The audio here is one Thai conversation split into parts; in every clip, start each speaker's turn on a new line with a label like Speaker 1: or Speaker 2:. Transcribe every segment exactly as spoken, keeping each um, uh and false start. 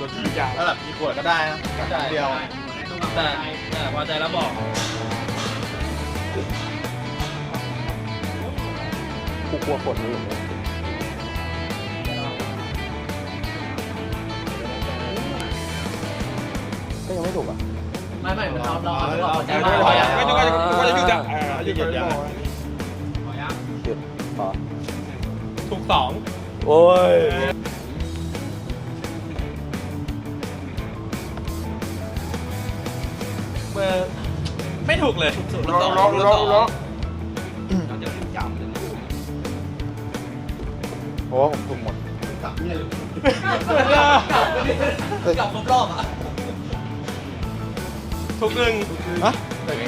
Speaker 1: รถทุกอย่าง
Speaker 2: แล้วแบบกี่ขวดก็ได้นะแต่เดียว
Speaker 3: แต่แต่พอใจแล้วบอก
Speaker 1: กูกลัวฝนอยู่ก็ยังไม่ถูกอ่ะ
Speaker 3: ไม่ไม่เราเราเราพอใจ
Speaker 1: ก็
Speaker 3: แล้ว
Speaker 1: จะ
Speaker 3: พอยัง
Speaker 1: ก็จะก็จะหยุดอ่ะหยุดหยุด
Speaker 2: ยัง
Speaker 1: หยุดพอ
Speaker 3: ถูกสอง
Speaker 1: โอ้ย
Speaker 3: เบอร์ไม่ถูกเลยถูก
Speaker 1: ล็อกล็อกล็อกล็อกโอ้ผมถูกหมด
Speaker 3: กลับครบรอบอ่ะ
Speaker 2: ทุกหนึ่ง
Speaker 1: ฮะ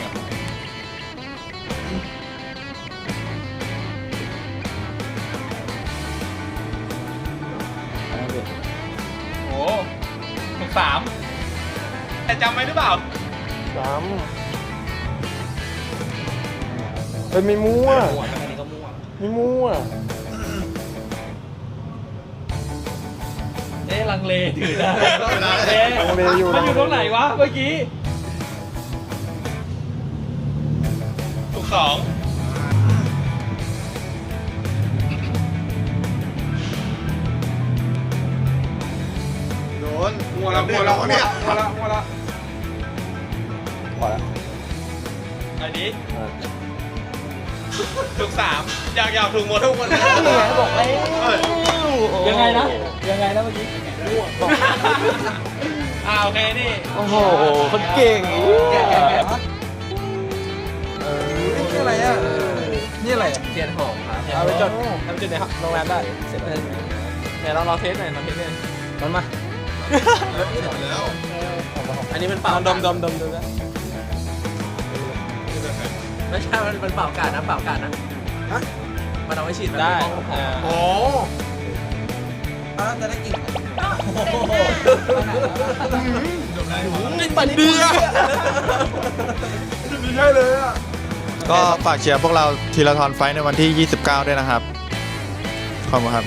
Speaker 3: โอ้ถูกสามแต่จำไว้หรือเปล่า
Speaker 1: สามเป็นไม่มั่ว
Speaker 3: หัวอันนี้ก็มั่ว
Speaker 1: ไม่มั่ว
Speaker 3: เอ๊ะลังเลถือนะเอ๊ะ
Speaker 1: ลังเลอยู่
Speaker 3: มันอยู่ตรงไหนวะเมื่อกี้ถูกสอง
Speaker 2: โดนมัวละมัวละเนี่ยมัวละมัวละ
Speaker 1: พอแล้ว
Speaker 3: อันนี้
Speaker 1: อ่า
Speaker 3: ถูกสามอยากอยากถูกหมดทุกคน
Speaker 1: บอกแล้ว
Speaker 3: ยังไงนะยังไงนะเมื่อกี้อ่าโอเคนี่
Speaker 1: โอ้โหคนเก่ง
Speaker 3: แกะแกะแกะ
Speaker 1: เออนี่อะไรอ่ะนี่อะไร
Speaker 3: เทียนหอมครับ
Speaker 1: เอาไปจดเอาไปจดในโรงแรมได้เสร็จแล้ว
Speaker 3: เดี๋ยวเราลองเทสหน่อยลองเทสหน่อย
Speaker 1: มันมา
Speaker 2: แล้ว
Speaker 3: อันนี้มันเป่า
Speaker 1: ดมดมดมดม
Speaker 3: ไม่ใช่มันเป็นเป่ากาดนะเป่ากาดนะฮะมันเอาไว้ฉีด
Speaker 1: ได้
Speaker 2: โอ้
Speaker 3: จะได้กลิ่น
Speaker 1: นี่ปันเดือไม่ใช่เลยอ่ะ
Speaker 2: ก็ฝากเชียร์พวกเราทีละทอนไฟในวันที่ยี่สิบเก้าด้วยนะครับขอบคุณครับ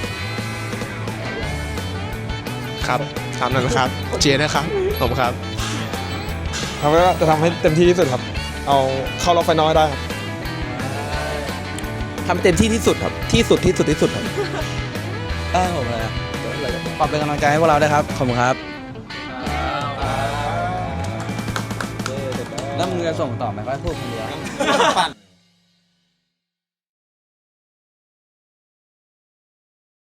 Speaker 2: ครับทำนะครับเชียร์นะครับผมครับ
Speaker 1: ทำไว้ว่าจะทำให้เต็มที่ที่สุดครับ เอาเข้ารอบไฟนอลได้ครับ
Speaker 4: ทำเต็มที่ที่สุดครับ ที่สุดที่สุดที่สุดครับได้ผมเลยครับขอบเป็นกำลังใจให้พวกเราด้วยครับ ขอบคุณครับ แล้วมึงจะส่งต่อไหมก็พูดคนเดียว